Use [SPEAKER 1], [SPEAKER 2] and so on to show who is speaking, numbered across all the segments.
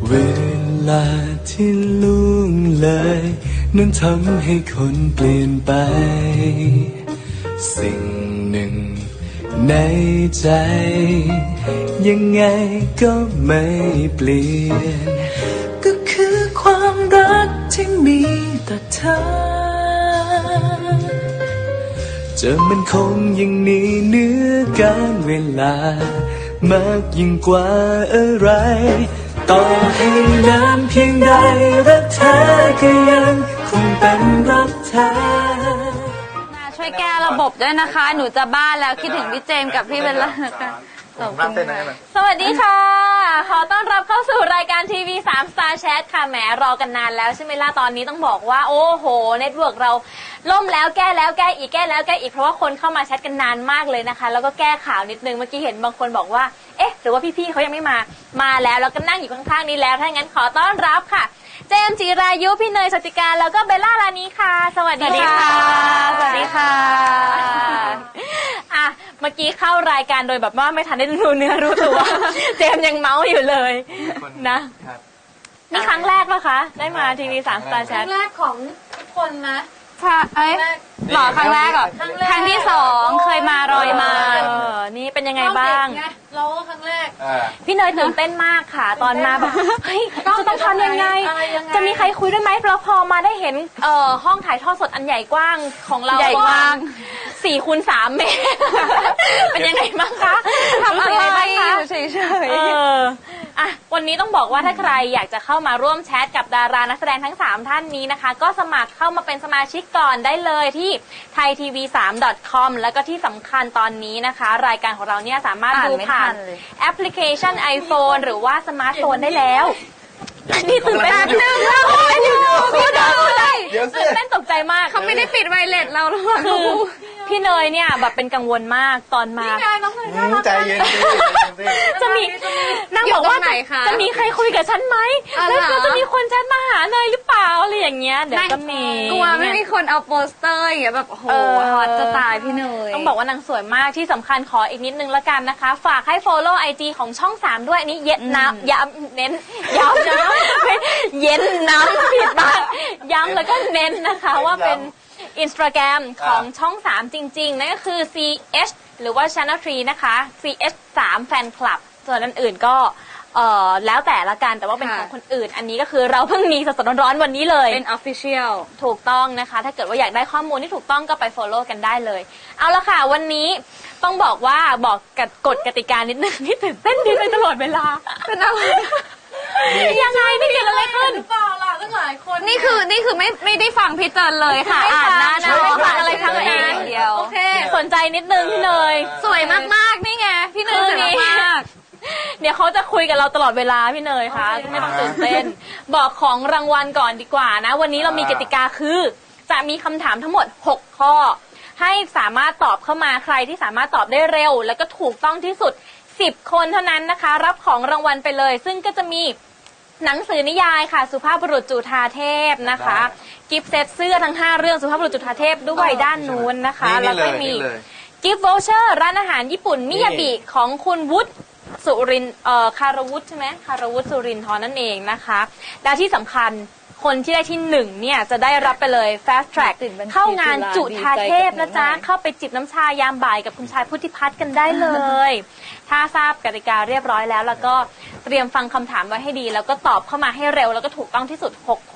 [SPEAKER 1] เวลาที่ล่วงเลยนั้นทำให้คนเปลี่ยนไปสิ่งหนึ่งในใจยังไงก็ไม่เปลี่ยนก็คือความรักที่มีต่อเธอจะมันคงยังหนีเหนือการเวลามากยิ่งกว่าอะไรต่อให้นานเพียงใดรักเธอก็ยังคงเป็นรักเธอ
[SPEAKER 2] ช่วยแก้ระบบด้วยนะคะ หนูจะบ้าแล้วคิดถึงพี่เจมส์กับพี่เบลล่านะคะขอบคุณค่ะสวัสดีค่ะ ขอต้อนรับเข้าสู่รายการทีวี3 Star Chat ค่ะแหมรอกันนานแล้วใช่ไหมล่ะตอนนี้ต้องบอกว่าโอ้โหเน็ตเวิร์กเราล่มแล้วแก้แล้วแก้อีกแก้แล้วแก้อีกเพราะว่าคนเข้ามาแชทกันนานมากเลยนะคะแล้วก็แก้ข่าวนิดนึงเมื่อกี้เห็นบางคนบอกว่าเอ๊ะหรือว่าพี่ๆเขายังไม่มาแล้วแล้วก็นั่งอยู่ข้างๆนี้แล้วถ้างั้นขอต้อนรับค่ะเจมส์จิรายุพี่เนยสติการแล้วก็เบลล่ารานีค่ะสวัสดีค่ะสวัสดีค่ะอ่ะเมื่อกี้เข้ารายการโดยแบบว่าไม่ทันได้รู้เนื้อรู้ตัวเจมส์ยังเมาส์อยู่เลยนะนี่ครั้งแรกปะคะได้มาทีวี3 Star Chat
[SPEAKER 3] ครั้งแรกของทุกคนนะ
[SPEAKER 2] ค่ะหรอครั้งแรกเหรอครั้งที่2เคยมารอยมานี่เป็นยังไงบ้าง
[SPEAKER 3] เราก็ครั้งแรก
[SPEAKER 2] พี่เนยตื่นเต้นมากค่ะตอนมาแบบเฮ้ยจะต้องทำยังไงจะมีใครคุยด้วยไหมเพราะพอมาได้เห็นห้องถ่ายทอดสดอันใหญ่กว้างของเราใหญ่กว้าง4 คูณ 3 เมตรเป็นยังไงบ้างคะทำอะไรบ้างคะเฉยๆอ่ะวันนี้ต้องบอกว่าถ้าใครอยากจะเข้ามาร่วมแชทกับดารานักแสดงทั้ง3ท่านนี้นะคะก็สมัครเข้ามาเป็นสมาชิกก่อนได้เลยที่ thaitv3.com แล้วก็ที่สำคัญตอนนี้นะคะรายการของเราเนี่ยสามารถดูผ่านแอปพลิเคชัน iPhone หรือว่าสมาร์ทโฟนได้แล้วนี่ตื่นเต้นนึงแล้วพี่เนยตื่นเต้นตกใจมาก
[SPEAKER 3] เขาไม่ได้ปิดไวเลสเราหรอก
[SPEAKER 2] คือพี่เนยเนี่ยแบบเป็นกังวลมากตอนมา
[SPEAKER 1] ใจเย็น
[SPEAKER 2] จะมีนางบอกว่าจะมีใครคุยกับฉันไหมแล้วจะมีคนแชทมาหาเนยหรือเปล่าอะไรอย่างเงี้ยเดี๋ยวก็มี
[SPEAKER 3] กลัวไม่มีคนเอาโปสเตอร์อย่างเงี้ยแบบโอ้โหฮอตจะตายพี่เนย
[SPEAKER 2] ต้องบอกว่านางสวยมากที่สำคัญขออีกนิดนึงละกันนะคะฝากให้ follow IG ของช่อง3ด้วยนี่เย็นน้ำย้ำเน้นย้ำนะเย็นน้ำผิดมากย้ำแล้วก็เน้นนะคะว่าเป็นInstagram ของช่อง3จริงๆนั่นก็คือ CH หรือว่า Channel 3นะคะ CH 3 Fan Club ส่วนอันอื่นก็แล้วแต่ละกันแต่ว่าเป็นของคนอื่นอันนี้ก็คือเราเพิ่งมีสดๆร้อนๆวันนี้เลย
[SPEAKER 3] เป็น Official
[SPEAKER 2] ถูกต้องนะคะถ้าเกิดว่าอยากได้ข้อมูลที่ถูกต้องก็ไป follow กันได้เลยเอาละค่ะวันนี้ต้องบอกว่าบอกกฎกติกานิดนึงที่ตื่นเต้นดีไปตลอดเวลาเป็นอะไรยังไงนี่เกิดอะไรขึ้น
[SPEAKER 3] หรือเปล่าล่ะตั้งหลายคน
[SPEAKER 2] นี่คือไม่ได้ฟังพี่เติร์นเลยค่ะอ่านนะไม่ฟังอะไรทั้งนั้นเดียวโอเคสนใจนิดนึงพี่เนย
[SPEAKER 3] สวยมากๆนี่ไงพี่เนยสวยมาก
[SPEAKER 2] เดี๋ยวเขาจะคุยกับเราตลอดเวลาพี่เนยค่ะไม่ต้องตื่นเต้นบอกของรางวัลก่อนดีกว่านะวันนี้เรามีกติกาคือจะมีคำถามทั้งหมด6ข้อให้สามารถตอบเข้ามาใครที่สามารถตอบได้เร็วแล้วก็ถูกต้องที่สุด10 คนเท่านั้นนะคะรับของรางวัลไปเลยซึ่งก็จะมีหนังสือนิยายค่ะสุภาพบุรุษจุฑาเทพนะคะกิฟต์เซตเสื้อทั้ง5เรื่องสุภาพบุรุษจุฑาเทพด้วยด้านนู้นนะคะแล้วก็มีกิฟต์วอเชอร์ร้านอาหารญี่ปุ่นมิยาบิของคุณวุฒิสุรินคารวุฒิใช่ไหมคารวุฒิสุรินทร์นั่นเองนะคะและที่สำคัญคนที่ได้ที่1เนี่ยจะได้รับไปเลย Fast Track เข้างานจุฑาเทพนะจ๊ะเข้าไปจิบน้ำชายามบ่ายกับคุณชายพุทธิพัฒน์กันได้เลยถ้าทราบกติกาเรียบร้อยแล้วก็เตรียมฟังคำถามไว้ให้ดีแล้วก็ตอบเข้ามาให้เร็วแล้วก็ถูกต้องที่สุด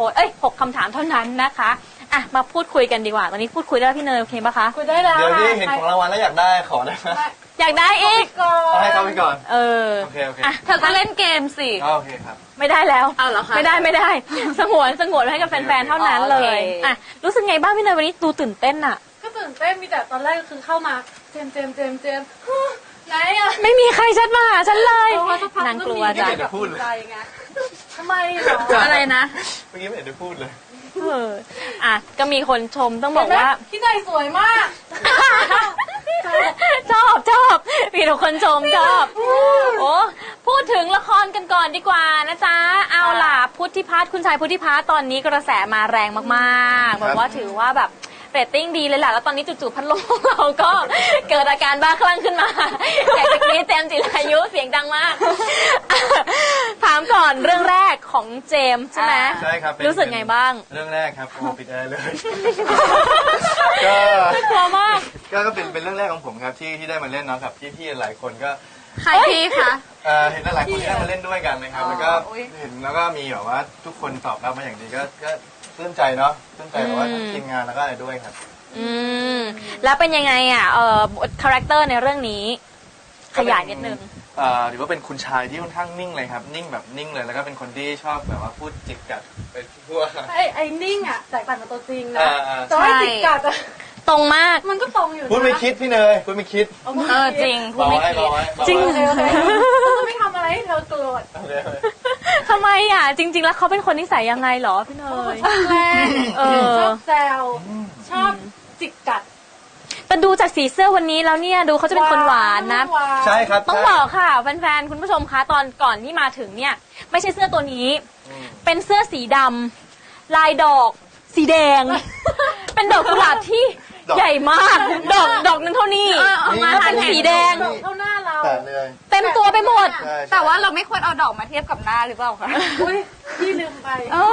[SPEAKER 2] 6 คำถามเท่านั้นนะคะอ่ะมาพูดคุยกันดีกว่าตอนนี้พูดคุยได้พี่เนยโอเคปะคะ
[SPEAKER 3] คุยได้แล้ว
[SPEAKER 1] เดี๋ยวที่เห็นของรางวัลแล้วอยากได้ขอได้ไหม
[SPEAKER 2] อยากได้อีก
[SPEAKER 1] ให้เขาไปก่อนโอเค
[SPEAKER 2] เธอก็เล่นเกมสิ
[SPEAKER 1] โอเคครับ
[SPEAKER 2] ไม่ได้แล้ว
[SPEAKER 3] เอาเหรอคะ
[SPEAKER 2] ไม่ได้สงวนให้กับแฟนๆเท่านั้นเลยอ่ะรู้สึกไงบ้างพี่เนยวันนี้ดูตื่นเต้นอ่ะ
[SPEAKER 3] ก็ตื่นเต้นมีแต่ตอนแรกก็คือเข้ามาเจมไหนอะ
[SPEAKER 2] ไม่มีใครแชทมาหาฉันเลยนางกลัวจ้ะ
[SPEAKER 3] ทำไมหรอ
[SPEAKER 2] อะไรนะ
[SPEAKER 1] เมื่อกี้ไม่เห็นได้พูดเลย
[SPEAKER 2] อ่ะก็มีคนชมต้องบอกว่า
[SPEAKER 3] พี่เนยสวยมาก
[SPEAKER 2] ชอบมีทุกคนชมชอบโอ้พูดถึงละครกันก่อนดีกว่านะจ๊ะเอาล่ะพุทธิพัฒน์คุณชายพุทธิพัฒน์ตอนนี้กระแสมาแรงมากๆแบบว่าถือว่าแบบเรตติ้งดีเลยแหละแล้วตอนนี้จู่ๆพัดลมเราก็เกิดอาการบ้าคลั่งขึ้นมาอยากจะกรี๊ดเจมส์จิรายุเสียงดังมากถามก่อนเรื่องแรกของเจมส์ใช่ไหม
[SPEAKER 4] ใช่ครับเป็น
[SPEAKER 2] รู้สึกไงบ้าง
[SPEAKER 4] เรื่องแรกครับโอ้ปิดแอร์เลย ก็
[SPEAKER 2] กลัวมาก
[SPEAKER 4] ก็เป็นเรื่องแรกของผมครับที่ได้มาเล่นเนาะกับพี่ๆหลายคนก็
[SPEAKER 3] ใครพี่คะ
[SPEAKER 4] เห็นหลายคนที่ได้มาเล่นด้วยกันนะครับแล้วก็เห็นแล้วก็มีแบบว่าทุกคนตอบรับมาอย่างดีก็ปลื้มใจเนาะปลื้มใจแบบว่าทั้งทีมงานแล้วก็อะไรด้วยครับ
[SPEAKER 2] อืมแล้วเป็นยังไงอ่ะคาแรคเตอร์ในเรื่องนี้ ขยายนิดนึง
[SPEAKER 4] หรือว่าเป็นคุณชายที่ค่อนข้างนิ่งเลยครับนิ่งแบบนิ่งเลยแล้วก็เป็นคนที่ชอบแบบว่าพูดจิกกัดไปทั่ว
[SPEAKER 3] ไอ้นิ่งอ่ะแตกต่างกับตัวจริงนะ
[SPEAKER 4] อ่า
[SPEAKER 3] แต่ว่าจิกกัดอะ
[SPEAKER 2] ตรงมาก
[SPEAKER 3] มันก็ตรงอยู่นะ
[SPEAKER 4] พูดไม่คิดพี่เนยพูดไม่คิด
[SPEAKER 2] จริงพูด
[SPEAKER 4] เบา
[SPEAKER 2] ไม่
[SPEAKER 4] ไว้
[SPEAKER 2] คิด
[SPEAKER 4] เบาไว้
[SPEAKER 2] จริง
[SPEAKER 3] โอเคจะไม่ทำอะไรให้เธอโกรธ
[SPEAKER 4] โอเค
[SPEAKER 2] ทำไมอ่ะ จริง ๆ แล้วเขาเป็นคนนิสัยยังไงเหรอพี่เนย
[SPEAKER 3] ชอบแกล้ง
[SPEAKER 2] เออ
[SPEAKER 3] ชอบแซวชอบจิกกัด
[SPEAKER 2] แต่ดูจากสีเสื้อวันนี้แล้วเนี่ยดูเขาจะเป็นคนหวานนะ
[SPEAKER 4] ใช่ครับ
[SPEAKER 2] ต้องบอกค่ะแฟนๆคุณผู้ชมคะตอนก่อนที่มาถึงเนี่ย ไม่ใช่เสื้อตัวนี้ เป็นเสื้อสีดำลายดอก สีแดง เป็นดอกกุหลาบที่ใหญ่มาก ดอกนึงเท่านี้มาเป็นสีแดง
[SPEAKER 3] เท่าหน้าเรา
[SPEAKER 4] แต่เลย
[SPEAKER 2] เต็มตัวไปหมด
[SPEAKER 4] ใช่
[SPEAKER 5] แต่ว่าเราไม่ควรเอาดอกมาเทียบกับหน้าหรือเปล่าคะ
[SPEAKER 3] อุ้ยพี่ลืมไป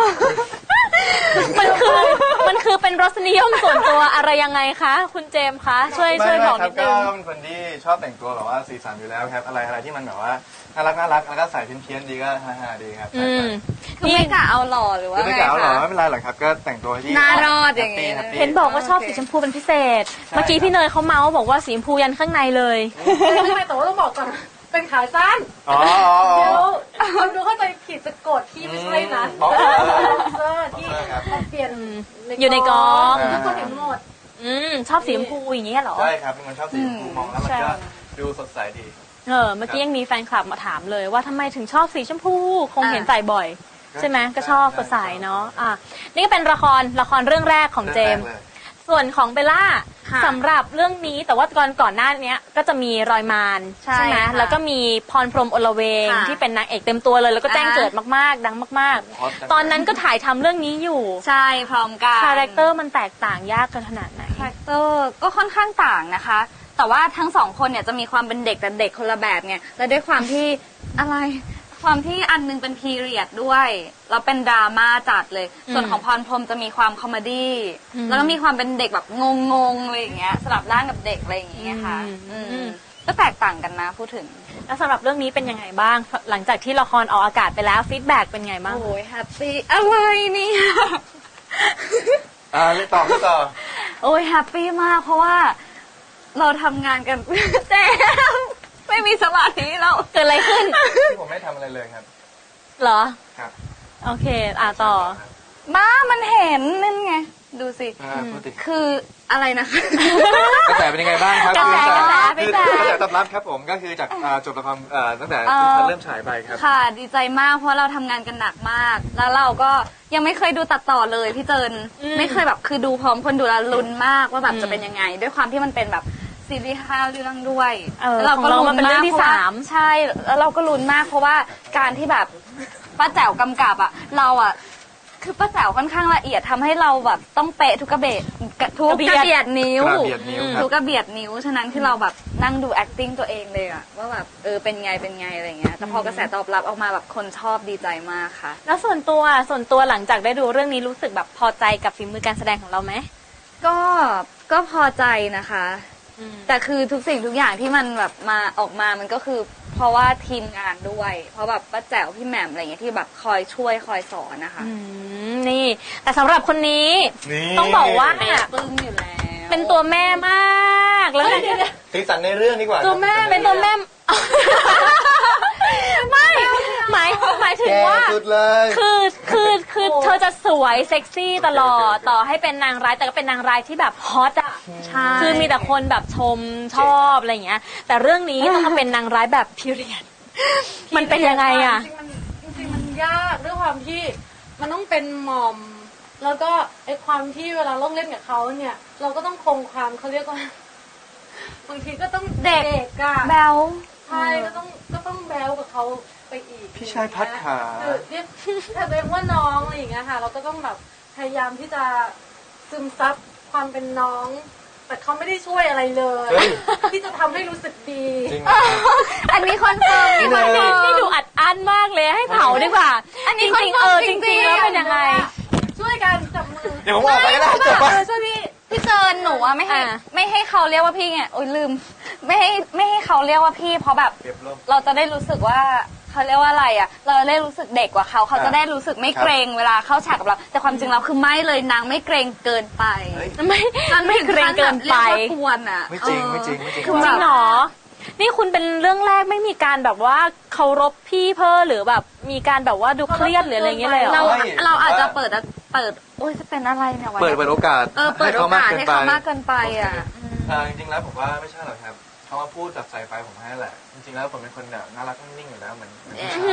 [SPEAKER 2] มันคือเป็นรสนิยมส่วนตัวอะไรยังไงคะ คุณเจมส์คะช่วย
[SPEAKER 4] ไม่
[SPEAKER 2] บอก
[SPEAKER 4] ครั
[SPEAKER 2] นิ
[SPEAKER 4] บ
[SPEAKER 2] ดนึ
[SPEAKER 4] ก็
[SPEAKER 2] ง
[SPEAKER 4] เป็นคนที่ชอบแต่งตัวแบบว่าสีสันอยู่แล้วครับอะไรที่มันแบบว่าน่ารักแล้วก็ใส่เพี้ยนๆดีก็ฮาๆดีครับ
[SPEAKER 2] อืม
[SPEAKER 5] คือไม่กะเอาหล่อหรือว่า
[SPEAKER 4] คือไม่
[SPEAKER 5] ไง
[SPEAKER 4] กล่าวหรอ
[SPEAKER 5] คะ
[SPEAKER 4] ไม่เป็นไรหรอกครับก็แต่งตัวที่
[SPEAKER 5] น่ารอดอย่างงี้
[SPEAKER 4] แฮปปี้
[SPEAKER 2] เห็นบอกว่าชอบสีชมพูเป็นพิเศษ เมื่อกี้พี่เนยเขาเมาส์บอกว่าสีชมพูยันข้างในเลย
[SPEAKER 3] ไม่แต่ว่าต้องบอกก่อนเป็นขาสั้น
[SPEAKER 4] อ๋อ
[SPEAKER 3] เดี๋ยวคนดูเข้าใจผิดจะโกรธพี่ไม่ใช่นะ
[SPEAKER 4] อ๋อ
[SPEAKER 3] เสื้อที่เขาเปลี่ยน
[SPEAKER 2] อยู่ในกอง
[SPEAKER 3] ทุกคนเห็นหมด
[SPEAKER 2] ชอบสีชมพูอย่างเงี้ยเหรอ
[SPEAKER 4] ใช่ครับเป็นคนชอบสีชมพูมองแล้วมันก็ดูสดใสดี
[SPEAKER 2] เมื่อกี้ยังมีแฟนคลับมาถามเลยว่าทำไมถึงชอบสีชมพู คงเห็นใส่บ่อย ใช่ไหมก็ชอบสดใสเนาะนี่ก็เป็นละครเรื่องแรกของเจมส์ส่วนของเบลล่า
[SPEAKER 5] ค่ะ
[SPEAKER 2] สำหรับเรื่องนี้แต่ว่าก่อนหน้านี้ก็จะมีรอยมาร
[SPEAKER 5] ใช่
[SPEAKER 2] ไหม
[SPEAKER 5] ค่ะ
[SPEAKER 2] แล้วก็มีพรพรหมอลเวง
[SPEAKER 5] ค่ะ
[SPEAKER 2] ที่เป็นนางเอกเต็มตัวเลย แล้วก็แจ้งเกิดมากๆ ดังมากๆ ตอนนั้นก็ถ่ายทำเรื่องนี้อยู่
[SPEAKER 5] ใช่พร้อมกัน
[SPEAKER 2] คาแรคเตอร์มันแตกต่างยากกันขนาดไหน
[SPEAKER 5] คาแรคเตอร์ก็ค่อนข้างต่างนะคะ แต่ว่าทั้งสองคนเนี่ยจะมีความเป็นเด็กแต่เด็กคนละแบบไงและด้วยความที่อะไรความที่อันนึงเป็นพีเรียดด้วยแล้วเป็นดราม่าจัดเลย ส่วนของพรพรหมจะมีความคอมเมดี้แล้วก็มีความเป็นเด็กแบบงงๆอะไรอย่างเงี้ยสลับร่างกับเด็กอะไรอย่างเงี้ยค่ะก็แตกต่างกันนะพูดถึง
[SPEAKER 2] แล้วสำหรับเรื่องนี้เป็นยังไงบ้าง หลังจากที่ละครออกอากาศไปแล้วฟีดแบ็กเป็นไงบ้าง
[SPEAKER 5] โอ้ยแฮปปี้อะไรเนี่ย
[SPEAKER 4] เล่นต่อ
[SPEAKER 5] โอ้ยแฮปปี้มากเพราะว่าเราทำงานกัน แจมไม่มีสมาธิเรา
[SPEAKER 2] เกิดอะไรขึ้น
[SPEAKER 4] ที่ผมไม่ทำอะไรเลยครับ
[SPEAKER 2] เหรอ
[SPEAKER 4] ครับ
[SPEAKER 2] โอเคต่อ
[SPEAKER 5] บ้ามันเห็นนั่นไง ดูสิ
[SPEAKER 4] พูดติ
[SPEAKER 5] คืออะไรนะคะ
[SPEAKER 4] กระแสเป็นยังไงบ้างครับ
[SPEAKER 2] กระแส
[SPEAKER 4] คือกระแสตอบรับครับผมก็คือจากจบละครตั้งแต่เริ่มฉายไปครับ
[SPEAKER 5] ค่ะดีใจมากเพราะเราทำงานกันหนักมาก แล้วเราก็ยังไม่เคยดูตัดต่อเลยพี่เจินไม่เคยแบบคือดูพร้อมคนดูแล้วลุ้นมากว่าแบบจะเป็นยังไง ด้วยความที่มันเป็นแบบซีรีส์5เรื่องด้วย
[SPEAKER 2] แล้วเราก็ลุ้นเป็นเรื่องที่3
[SPEAKER 5] ใช่แล้วเราก็ลุ้นมากเพราะว่าการที่แบบป้าแจ๋วกำกับอ่ะเราอ่ะคือป้าแจ๋วค่อนข้างละเอียดทำให้เราแบบต้องเป๊ะทุกกระเบียดนิ้ว
[SPEAKER 4] กระเบียดนิ้วครับ
[SPEAKER 5] ทุกกระเบียดนิ้วฉะนั้นคือเราแบบนั่งดู acting ตัวเองเลยอะว่าแบบเป็นไงอะไรเงี้ยแต่พอกระแสตอบรับออกมาแบบคนชอบดีใจมากค่ะ
[SPEAKER 2] แล้วส่วนตัวหลังจากได้ดูเรื่องนี้รู้สึกแบบพอใจกับฝีมือการแสดงของเราไหม
[SPEAKER 5] ก็พอใจนะคะ แต่คือทุกสิ่งทุกอย่างที่มันแบบมาออกมามันก็คือเพราะว่าทีมงานด้วย เพราะแบบป้าแจ๋วพี่แหม่มอะไรเงี้ยที่แบบคอยช่วยคอยสอนนะคะ
[SPEAKER 2] นี่ แต่สำหรับคนนี้
[SPEAKER 4] นี่
[SPEAKER 2] ต้องบอกว่า
[SPEAKER 5] ปึ้งอยู่แล้ว
[SPEAKER 2] เป็นตัวแม่มากแล้ว
[SPEAKER 4] สีสันในเรื่องดีกว่า
[SPEAKER 2] ตัวแม่เป็นตัวแม่ ไม่หมายถึงว่า
[SPEAKER 4] แก่สุดเลย
[SPEAKER 2] คือเธอจะสวยเซ็กซี่ตลอดต่อให้เป็นนางร้ายแต่ก็เป็นนางร้ายที่แบบฮอตอ่ะ
[SPEAKER 5] ใช่
[SPEAKER 2] คือมีแต่คนแบบชมชอบอะไรอย่างเงี้ย แต่เรื่องนี้ต้องมาเป็นนางร้ายแบบพีเรียดมันเป็นยังไงอ่ะ
[SPEAKER 3] จริงๆมันยากด้วยความที่มันต้องเป็นหม่อม แล้วก็ไอความที่เวลาเราเล่นกับเขาเนี่ย เราก็ต้องคงความเขาเรียกว่าบางทีก็ต้องเด็กอะ
[SPEAKER 5] แบล
[SPEAKER 3] ใช่ก็ต้องแบลกับเขาไปอีก
[SPEAKER 4] พี่ชายพัดขา
[SPEAKER 3] คือเรียกแต่ตัวเองว่าน้องอะไรอย่างเงี้ยค่ะ เราก็ต้องแบบพยายามที่จะซึมซับความเป็นน้อง แต่เขาไม่ได้ช่วยอะไรเลย
[SPEAKER 4] เฮ้ย
[SPEAKER 3] ที่จะทำให้รู้สึกดี
[SPEAKER 4] จริงเหรอ
[SPEAKER 5] อันนี้คอนเฟิร์ม
[SPEAKER 2] นี่ดูอัดอั้นมากเลยให้เผาดีกว่าจริงจริงๆแล้วเป็นยังไง
[SPEAKER 3] ช่วยกันจับมือ
[SPEAKER 4] เดี๋ยวผมออกไปก็ได้จบปะ
[SPEAKER 3] ช่วยพี่
[SPEAKER 5] พี่เจินหนูอะไม่ให้เขาเรียกว่าพี่ไงโอ๊ยลืมไม่ให้เขาเรียกว่าพี่เพราะแบบ
[SPEAKER 4] เก็บลม
[SPEAKER 5] เราจะได้รู้สึกว่าเขาเรียกว่าอะไรอ่ะ เราได้รู้สึกเด็กกว่าเขาจะได้รู้สึกไม่เกรงเวลาเข้าฉากกับเรา แต่ความจริงเราคือไม่เลยนางไม่เกรงเกินไป
[SPEAKER 4] เฮ้ย
[SPEAKER 2] ไม่เกรงเกินไป
[SPEAKER 5] เรียกว่ากวนอ่ะ
[SPEAKER 4] ไม่จริงไม่จริงไม่จริง
[SPEAKER 2] จริงเหรอ นี่คุณเป็นเรื่องแรกไม่มีการแบบว่าเคารพพี่เพ้อหรือแบบมีการแบบว่าดูเครียดหรืออะไรอย่างเงี้ยเลยเหรอ
[SPEAKER 5] เราอาจจะเปิดโอ้ยจะเป็นอะไรเนี่ยวัน
[SPEAKER 4] เปิดโอกาส
[SPEAKER 5] เปิดโอกาสให้เขามากเกินไปอ่ะ
[SPEAKER 4] จริงๆแล้วผมว่าไม่ใช่หรอกครับเขามาพูดแบบใส่ไฟผมให้แหละ จริงๆแล้วผมเป็นคนแบบน่ารักนิ่งๆอยู่แล้วเหมือนผู้ชาย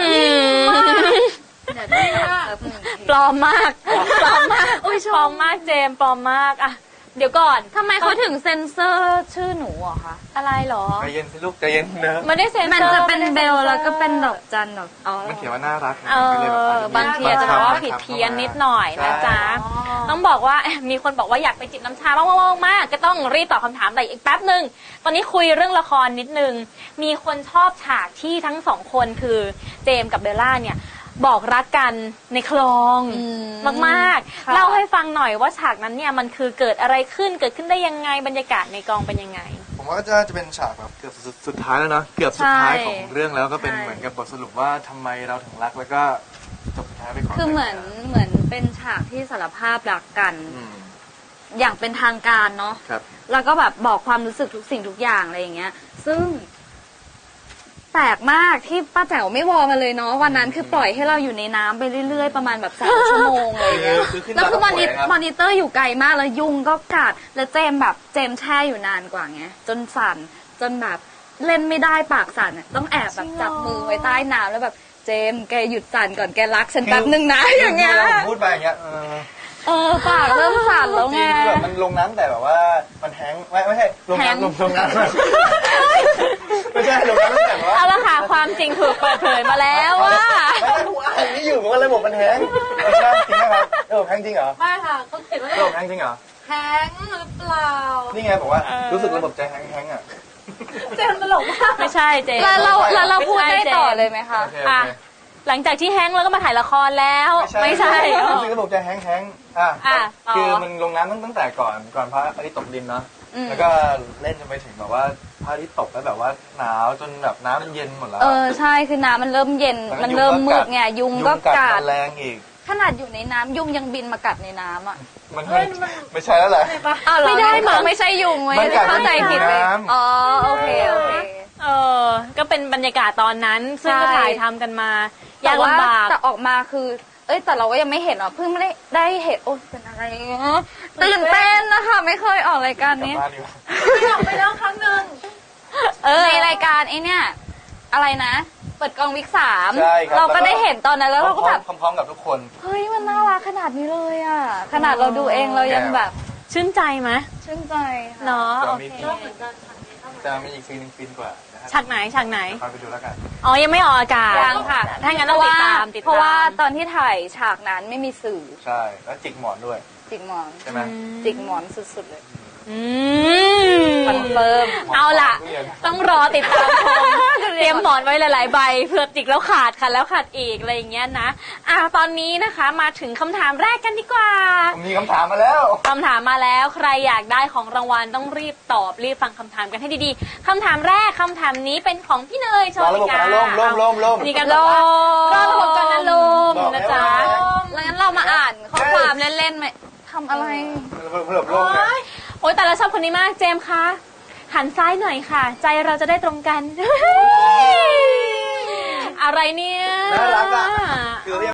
[SPEAKER 5] เดี๋ยวดูนะ
[SPEAKER 2] ปลอมมากปลอมมากปลอมมากเจมส์ปลอมมากอะเดี๋ยวก่อน
[SPEAKER 5] ทำไมเขาถึงเซ็นเซอร์ชื่อหนูอะคะ
[SPEAKER 2] อะไรเหรอ
[SPEAKER 4] ใจเย็นสิลูกใจเย็นนะ
[SPEAKER 2] ไม่ได้เซ็น
[SPEAKER 5] มัน
[SPEAKER 2] เซอร์
[SPEAKER 5] จะเป็น
[SPEAKER 2] ไม่
[SPEAKER 5] เบ
[SPEAKER 2] ได้
[SPEAKER 5] ล
[SPEAKER 2] ซ็นซอร์
[SPEAKER 5] แล้วก็เป็นดอกจันดอกอ๋อ
[SPEAKER 4] มันเขียนว่าน่ารักไง
[SPEAKER 2] เอ
[SPEAKER 4] ก็เลยแบบ
[SPEAKER 2] อบางทีอาจจะแบบว่าผิดเพี้ยนนิดหน่อยนะจ๊ะ ต้องบอกว่า มีคนบอกว่าอยากไปจิบน้ำชามากๆก็ต้องรีบตอบคำถามแต่อีกแป๊บหนึ่งตอนนี้คุยเรื่องละครนิดนึง มีคนชอบฉากที่ทั้งสองคนคือเจมส์กับเบลล่าเนี่ยบอกรักกันในคลองมากๆเล่าให้ฟังหน่อยว่าฉากนั้นเนี่ยมันคือเกิดอะไรขึ้นเกิดขึ้นได้ยังไงบรรยากาศในกองเป็นยังไง
[SPEAKER 4] ผมว่าจะเป็นฉากแบบเกือบสุดท้ายแล้วเนาะเกือบสุดท้ายของเรื่องแล้วก็เป็นเหมือนกับบทสรุปว่าทำไมเราถึงรักแล้วก็จบสุดท้ายไปก่อน
[SPEAKER 5] คือเหมือนเป็นฉากที่สารภาพรักกัน
[SPEAKER 4] ม
[SPEAKER 5] อย่างเป็นทางการเนาะ
[SPEAKER 4] ครับ
[SPEAKER 5] แล้วก็แบบบอกความรู้สึกทุกสิ่งทุกอย่างอะไรอย่างเงี้ย ซึ่งแปลกมากที่ป้าแจ๋วไม่วอมาเลยเนาะวันนั้นคือปล่อยให้เราอยู่ในน้ำไปเรื่อยๆประมาณแบบ3 ชั่วโมงอะไรอย่างเงี้ย
[SPEAKER 4] คือขึ้น
[SPEAKER 5] แล้วคือ
[SPEAKER 4] มา
[SPEAKER 5] มอนิเตอร์อยู่ไกลมากแล้วยุงก็กัดแล้วเจมแช่อยู่นานกว่าไงจนสั่นจนแบบเล่นไม่ได้ปากสั่นอะต้องแอบแบบจับมือไว้ใต้น้ำแล้วแบบเจมแกหยุดสั่นก่อนแกรักฉันแป๊บนึงนะอย่างเงี้ย
[SPEAKER 4] ผมพูดไปอย่างเงี้ย
[SPEAKER 5] ปากเริ่มสั่นแล้ว
[SPEAKER 4] จ
[SPEAKER 5] ไง
[SPEAKER 4] ริงๆแบบมันลงน้ำแต่แบบว่ามันแห้งไม่ใช่ลง
[SPEAKER 5] แห้ง
[SPEAKER 4] น้ำลงน้ำไม่ใช่ลงน้ำตั้งแต่ว่า
[SPEAKER 2] เอาละค่ะความจริงถูกเปิดเผยมาแล้วว่า
[SPEAKER 4] ไม่ได้ผมอ่านนี่อยู่ผมว่าระบบมันแห้งไม่ใช่จริงไหมครับระบบแห้งจริงเหรอ
[SPEAKER 3] ไม่ค่ะเขาเขียนว่า
[SPEAKER 4] ระบบแห้งจริงเหรอ
[SPEAKER 3] แท้งหรือเปล่า
[SPEAKER 4] นี่ไงบอกว่ารู้สึกระบบใจแห้งๆอ่ะ
[SPEAKER 3] เจมส์ตลกมาก
[SPEAKER 2] ไม่ใช่เจมส์
[SPEAKER 5] แล้วเราพูดได้ต่อเลยไหมคะ
[SPEAKER 4] โอเค
[SPEAKER 2] อ่ะหลังจากที่แฮงก์แล้วก็มาถ่ายละครแล้ว ไม่ใช่
[SPEAKER 4] รู้สึกระบบใจแห้งๆอ่ะ
[SPEAKER 2] ต่อ
[SPEAKER 4] คือมันลงน้ำตั้งแต่ก่อนพระอาทิตย์ตกดินเนาะแล้วก็เล่นจนไปถึงแบบว่าพระอาทิตย์ตกแล้วแบบว่าหนาวจนแบบน้ำมันเย็นหมดแล้ว
[SPEAKER 5] ใช่คือน้ำมันเริ่มเย็นมันเริ่มมืดไงยุงก็กัด
[SPEAKER 4] แรงอีก
[SPEAKER 5] ขนาดอยู่ในน้ำยุงยังบินมากัดในน้ำอ่ะ
[SPEAKER 4] มันไม่ใช่แล้วแหละ
[SPEAKER 5] ไม่ได้มั้งไม่ใช่ยุงไว้
[SPEAKER 4] มันกัด
[SPEAKER 5] เข้าใจผิดไป
[SPEAKER 4] ในน้ำ
[SPEAKER 5] อ๋อโอเค
[SPEAKER 2] ก็เป็นบรรยากาศตอนนั้น ซึ่งก็
[SPEAKER 5] ใช่
[SPEAKER 2] ถ่ายทำกันมา
[SPEAKER 5] แต่
[SPEAKER 2] ยาก
[SPEAKER 5] ว่า
[SPEAKER 2] ลำบาก
[SPEAKER 5] แต่ออกมาคือ แต่เราก็ยังไม่เห็นหรอกเพิ่งไม่ได้เห็นโอ้เป็นอะไรตื่นเต้นนะคะไม่เคยออกรายการ
[SPEAKER 4] กลับ
[SPEAKER 5] นี้
[SPEAKER 4] บ้านดีกว่า
[SPEAKER 3] ไม่ออกไปแล้วครั้งหนึ่ง
[SPEAKER 5] ในรายการไอ้เนี่ยอะไรนะ เปิดกองวิก3
[SPEAKER 4] ใช่ครับ
[SPEAKER 5] เราก็ได้เห็นตอนนั้นแล้วเราก็แบบ
[SPEAKER 4] พร้อมๆกับทุกคน
[SPEAKER 5] เฮ้ยมันน่ารักขนาดนี้เลยอ่ะขนาดเราดูเองเรายังแบบ
[SPEAKER 2] ชื่นใจไหม
[SPEAKER 5] ชื่นใจค่ะ
[SPEAKER 2] เนาะ
[SPEAKER 4] จะ
[SPEAKER 2] โอ
[SPEAKER 4] มี
[SPEAKER 2] เค
[SPEAKER 3] ชอบเหมือนกันค่ะ
[SPEAKER 4] จะมีอีกซีนหนึงฟินกว่านะฮะ
[SPEAKER 2] ฉากไหนฉากไหน
[SPEAKER 4] คอยไปดูแล้วกัน
[SPEAKER 2] อ๋อ ยังไม่ออกอากาศ
[SPEAKER 5] ยังค่ะ
[SPEAKER 2] ถ้างั้นต้องติดตามติดตาม
[SPEAKER 5] เพราะว่าตอนที่ถ่ายฉากนั้นไม่มีสื่อ
[SPEAKER 4] ใช่แล้วจิกหมอนด้วย
[SPEAKER 5] จิกหมอน
[SPEAKER 4] ใช่ไหม
[SPEAKER 5] จิกหมอนสุดๆเลย
[SPEAKER 2] อืม
[SPEAKER 5] คอนเฟิร์ม
[SPEAKER 2] เอาล่ะ ต้องรอติดตามชม เตรียมหมอนไว้หลาย ๆ ใบเผื่อจิกแล้วขาดค่ะแล้วขาดอีกอะไรอย่างเงี้ยนะตอนนี้นะคะมาถึงคำถามแรกกันดีกว่า
[SPEAKER 4] ผมมีคำถามมาแล้ว
[SPEAKER 2] คำถามมาแล้วใครอยากได้ของรางวัลต้องรีบตอบรีบฟังคำถามกันให้ดีๆคำถามแรกคำถามนี้เป็นของพี่เนยโช
[SPEAKER 4] รอ
[SPEAKER 2] ติ
[SPEAKER 4] ระบบ
[SPEAKER 2] กา
[SPEAKER 4] ก่อนนะล่ม
[SPEAKER 2] มีกันบอกว่ารอระบบกันนะลม
[SPEAKER 4] บอก
[SPEAKER 2] นะจ๊ะ
[SPEAKER 5] แล้วงั้นเรามาอ่านข้อความเล่นๆไหมทำอะไร
[SPEAKER 4] เพิ่มลมนะ
[SPEAKER 2] โอ๊ยแต่เราชอบคนนี้มากเจมส์คะหันซ้ายหน่อยค่ะ ใจเราจะได้ตรงกัน อะไรเนี่ย
[SPEAKER 4] น่ารักอ่ะคือเรียก